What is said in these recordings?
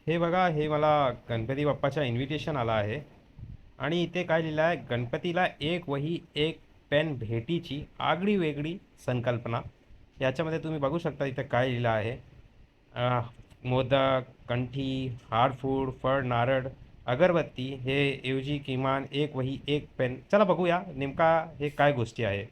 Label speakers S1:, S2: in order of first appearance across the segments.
S1: हे बघा, हे मला गणपती बाप्पाचा इन्व्हिटेशन आला आहे आणि इथे काय लिहिलं आहे, गणपतीला एक वही एक पेन भेटीची आगळी वेगळी संकल्पना. याच्यामध्ये तुम्ही बघू शकता इथे काय लिहिलं आहे. अ, मोदक, कंठी, हारफूड, फळ, नारळ, अगरबत्ती हे ऐवजी किमान एक वही एक पेन. चला बघूया नेमका हे काय गोष्टी आहे.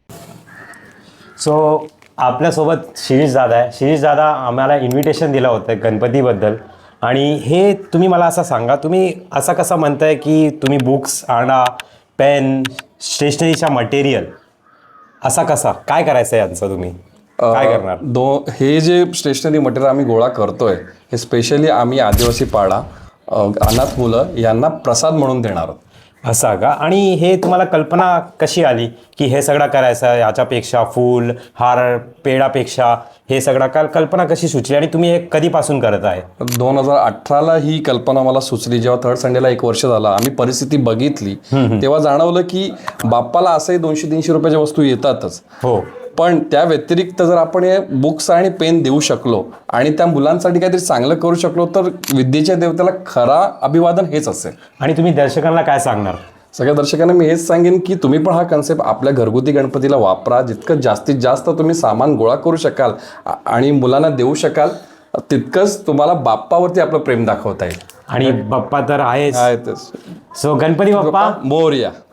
S2: सो आपल्यासोबत शिरीष दादा आहे. शिरीष दादा आम्हाला इन्व्हिटेशन दिलं होतं गणपतीबद्दल. आणि हे तुम्ही मला असं सांगा, तुम्ही असं कसं म्हणताय की तुम्ही बुक्स आणा, पेन, स्टेशनरीचा मटेरियल, असा कसा काय करायचं आहे यांचं, तुम्ही काय करणार?
S3: हे जे स्टेशनरी मटेरियल आम्ही गोळा करतोय हे स्पेशली आम्ही आदिवासी पाडा, अनाथ मुलं यांना प्रसाद म्हणून देणार आहोत.
S2: असं का? आणि हे तुम्हाला कल्पना कशी आली की हे सगळं करायचं, याच्यापेक्षा फूल हार पेडापेक्षा हे सगळं कल्पना कशी सुचली आणि तुम्ही हे कधीपासून करत आहे?
S3: 2018ला ही कल्पना मला सुचली. जेव्हा थर्ड संडेला 1 वर्ष झाला, आम्ही परिस्थिती बघितली, तेव्हा जाणवलं की बाप्पाला असंही 200-300 रुपयाच्या वस्तू येतातच.
S2: हो.
S3: पण त्या व्यतिरिक्त जर आपण हे बुक्स आणि पेन देऊ शकलो आणि त्या मुलांसाठी काहीतरी चांगलं करू शकलो तर विद्येच्या देवतेला खरा अभिवादन हेच असेल.
S2: आणि तुम्ही दर्शकांना काय सांगणार?
S3: सगळ्या दर्शकांना मी हेच सांगेन की तुम्ही पण हा कन्सेप्ट आपल्या घरगुती गणपतीला वापरा. जितकं जास्तीत जास्त तुम्ही सामान गोळा करू शकाल आणि मुलांना देऊ शकाल, तितकंच तुम्हाला बाप्पावरती आपलं प्रेम दाखवता येईल.
S2: आणि बाप्पा तर आहेच.
S3: आहे तेच.
S2: सो गणपती बाप्पा
S3: मोरया.